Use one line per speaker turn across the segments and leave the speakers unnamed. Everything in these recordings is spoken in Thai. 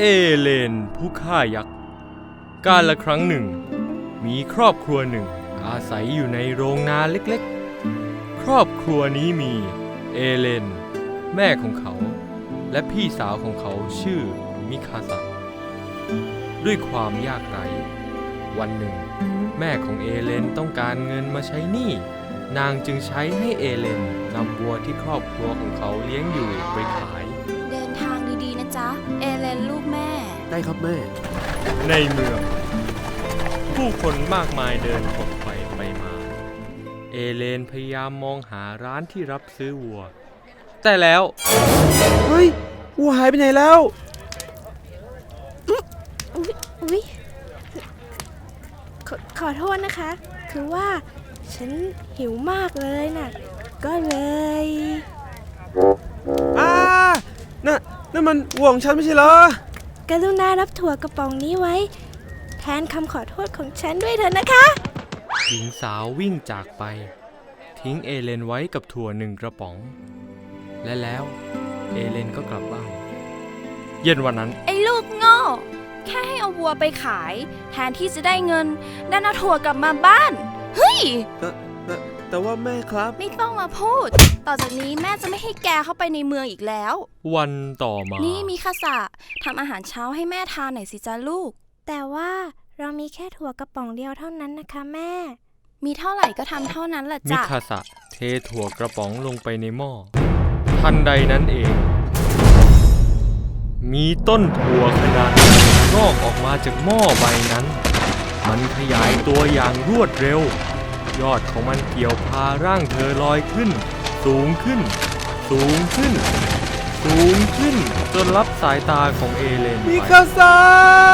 เลนผู้ฆ่ายักษ์กาลครั้งหนึ่งมีครอบครัวหนึ่งอาศัยอยู่ในโรงนาเล็กๆครอบครัวนี้มีเอเลนแม่ของเขาและพี่สาวของเขาชื่อมิคาซาด้วยความยากไร้วันหนึ่งแม่ของเอเลนต้องการเงินมาใช้หนี้นางจึงใช้ให้เอเลนนำวัวที่ครอบครัวของเขาเลี้ยงอยู่ไปขาย
เดินทางดีๆนะจ๊ะเอเลนลูกแม่
ได้ครับแม่
ในเมืองผู้คนมากมายเดินขบไปมาเอเลนพยายามมองหาร้านที่รับซื้อวัวแต่แล้ว
เฮ้ยวัวหายไปไหนแล้ว
อุ๊ยขอโทษนะคะคือว่าฉันหิวมากเลยน่ะก็เลย
นั่นมันวัวของฉันไม่ใช่เหรอก
รุณารับถั่วกระป๋องนี้ไว้แทนคำขอโทษของฉันด้วยเถอะนะคะ
หญิงสาววิ่งจากไปทิ้งเอเลนไว้กับถั่ว1 กระป๋องและแล้วเอเลนก็กลับบ้านเย็นวันนั้น
ไอ้ลูกโง่แค่ให้เอาวัวไปขายแทนที่จะได้เงินดันเอาถั่วกลับมาบ้านเฮ้ย
แต่ว่าแม่ครับ
ไม่ต้องมาพูดต่อจากนี้แม่จะไม่ให้แกเข้าไปในเมืองอีกแล้ว
วันต่อมา
นี่มีคาสะทำอาหารเช้าให้แม่ทานหน่อยสิจ้าลูก
แต่ว่าเรามีแค่ถั่วกระป๋องเดียวเท่านั้นนะคะแม่
มีเท่าไหร่ก็ทำเท่านั้นแหละจ้ะ
มิคาสะเทถั่วกระป๋องลงไปในหม้อทันใดนั้นเองมีต้นถั่วขนาดใหญ่งอกออกมาจากหม้อใบนั้นมันขยายตัวอย่างรวดเร็วยอดของมันเกี่ยวพาร่างเธอลอยขึ้นสูงขึ้นสูงขึ้นสูงขึ้นจนลับสายตาของเอเลน
มิคาซา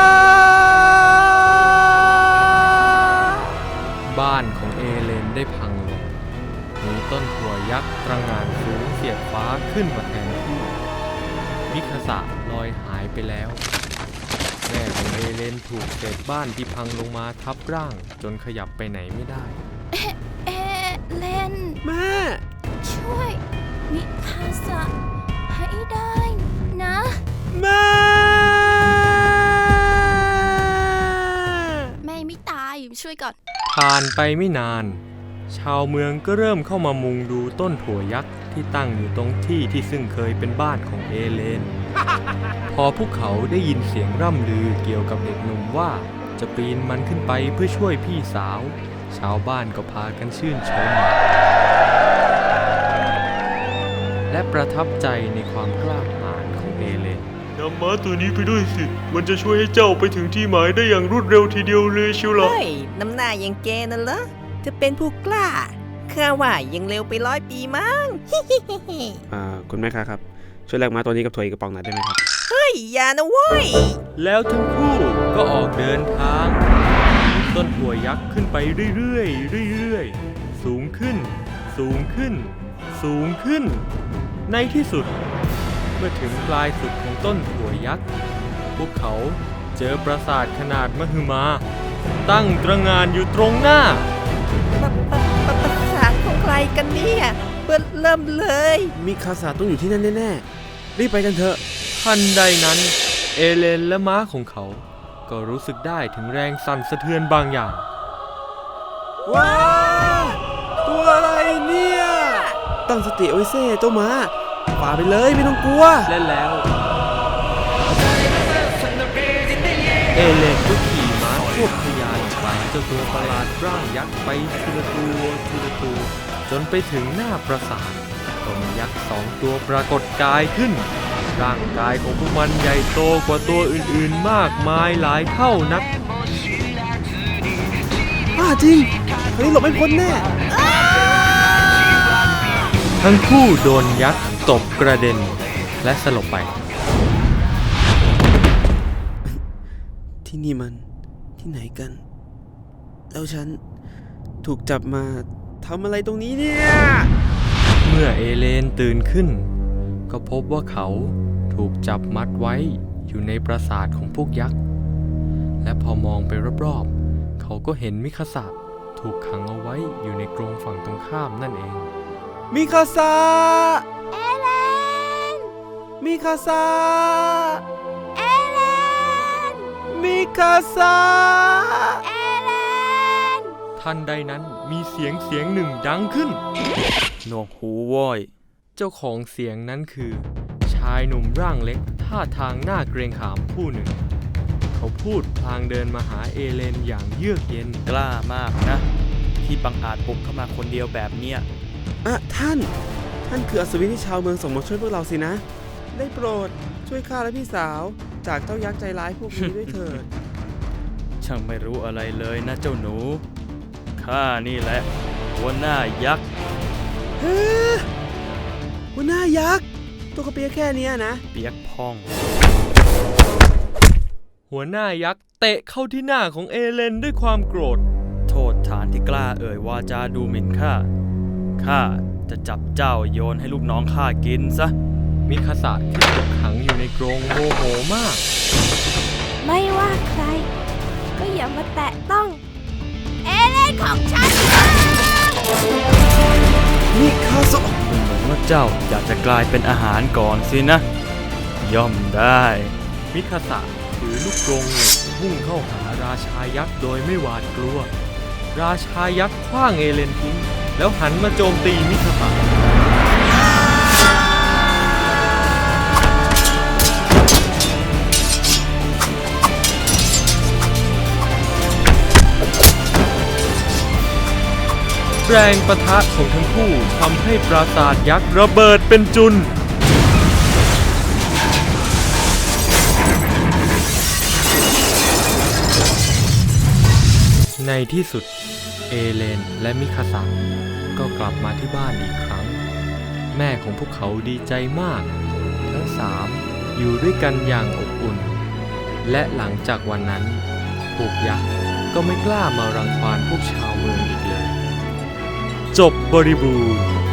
บ้านของเอเลนได้พังลงมีต้นถั่วยักษ์ตระหง่านสูงเสียดฟ้าขึ้นมาแทนที่มิคาซาลอยหายไปแล้วแม่ของเอเลนถูกเศษบ้านที่พังลงมาทับร่างจนขยับไปไหนไม่ได้
เอเลน
แม่
ช่วยมิคาซาให้ได้นะ
แม่
ไม่ตายช่วยก่อน
ผ่านไปไม่นานชาวเมืองก็เริ่มเข้ามามุงดูต้นถั่วยักษ์ที่ตั้งอยู่ตรงที่ที่ซึ่งเคยเป็นบ้านของเอเลนพอพวกเขาได้ยินเสียงร่ำลือเกี่ยวกับเด็กหนุ่มว่าจะปีนมันขึ้นไปเพื่อช่วยพี่สาวชาวบ้านก็พากันชื่นชมและประทับใจในความกล้าหาญของเอเลน
นำม้าตัวนี้ไปด้วยสิมันจะช่วยให้เจ้าไปถึงที่หมายได้อย่างรวดเร็วทีเดียวเลยชิวล่ะ
เฮ้ยน้ำหน้ายังแกนั่นเหรอจะเป็นผู้กล้าข้าว่ายังเร็วไป100 ปีมั้ง
คุณแม่ครับช่วยแลกม้าตัวนี้กับถั่วอีกกระป๋องหน่อยได้ไหมครับ
เฮ้ยอย่านะเว้ย
แล้วทั้งคู่ก็ออกเดินทางต้นถั่วยักษ์ขึ้นไปเรื่อยๆสูงขึ้นสูงขึ้นสูงขึ้นในที่สุดเมื่อถึงปลายสุดของต้นถั่วยักษ์พวกเขาเจอปราสาทขนาดมหึมาตั้งตระหง่านอยู่ตรงหน้า
ปราสาทของใครกันเนี่ยเริ่มเลย
มิคาซาต้องอยู่ที่นั่นแน่ๆรีบไปกันเถอะ
ทันใดนั้นเอเลนและม้าของเขาก็รู้สึกได้ถึงแรงสั่นสะเทือนบางอย่าง
ว้าวตัวอะไรเนี่ยตั้งสติเอาไว้เซ่เจ้าม้าฝ่าไปเลยไม่ต้องกลัว
และแล้วเอเลนก็ขี่ม้าควบทะยานไปเจ้าตัวประหลาดร่างยักษ์ไปทีละตัวจนไปถึงหน้าปราสาทก็มียักษ์2 ตัวปรากฏกายขึ้นร่างกายของพวกมันใหญ่โตกว่าตัวอื่นๆมากมายหลายเท่านัก
จริงคราวนี้หลบไม่พ้นแน่
ทั้งคู่โดนยักษ์ตบกระเด็นและสลบไป
ที่นี่มันที่ไหนกันแล้วฉันถูกจับมาทำอะไรตรงนี้เนี่ย
เมื่อเอเลนตื่นขึ้นก็พบว่าเขาถูกจับมัดไว้อยู่ในปราสาทของพวกยักษ์และพอมองไปรอบๆเขาก็เห็นมิคาซาถูกขังเอาไว้อยู่ในกรงฝั่งตรงข้ามนั่นเอง
มิคาซา
เอเลน
มิคาซา
เอเลน
คาซา
ทันใดนั้นมีเสียงหนึ่งดังขึ้น
หนวกหูโว้ย
เจ้าของเสียงนั้นคือ ชายหนุ่มร่างเล็กท่าทางน่าเกรงขามผู้หนึ่ง เขาพูดพลางเดินมาหาเอเลนอย่างเยือกเย็น
กล้ามากนะ ที่บังอาจบุกเข้ามาคนเดียวแบบเนี้ย
ท่านคืออัศวินที่ชาวเมืองส่งมาช่วยพวกเราสินะ ได้โปรดช่วยข้าและพี่สาวจากเจ้ายักษ์ใจร้ายพวกนี้ด้วยเถิด
ช่างไม่รู้อะไรเลยนะเจ้าหนู ข้านี่แหละ หัวหน้ายักษ์
เฮ้ยหัวหน้ายักษ์ตัวกระเปียกแค่เนี้ยนะ
เปียกพอง
หัวหน้ายักษ์เตะเข้าที่หน้าของเอเลนด้วยความโกรธ
โทษฐานที่กล้าเอ่ยวาจาดูหมิ่นข้า ข้าจะจับเจ้าโยนให้ลูกน้องข้ากินซะ
มิคาสะที่ถูกขังอยู่ในกรงโมโหมาก
ไม่ว่าใคร ก็อย่ามาแตะต้อง
เอเลนของฉัน
นี่คาโซะ
ดูเหมือนว่าเจ้าอยากจะกลายเป็นอาหารก่อนสินะ ย่อมได้
มิคาสะถือลูกกรงเหล็กพุ่งเข้าหาราชายักษ์โดยไม่หวาดกลัว ราชายักษ์ขว้างเอเลนทิ้งแล้วหันมาโจมตีมิคาสะ แรงปะทะของทั้งคู่ทำให้ปราสาทยักษ์ระเบิดเป็นจุน ในที่สุดเอเลนและมิคาสะก็กลับมาที่บ้านอีกครั้ง แม่ของพวกเขาดีใจมาก ทั้งสามอยู่ด้วยกันอย่างอบอุ่น และหลังจากวันนั้นพวกยักษ์ก็ไม่กล้ามารังควานพวกชาวเมืองอีกเลย จบบริบูรณ์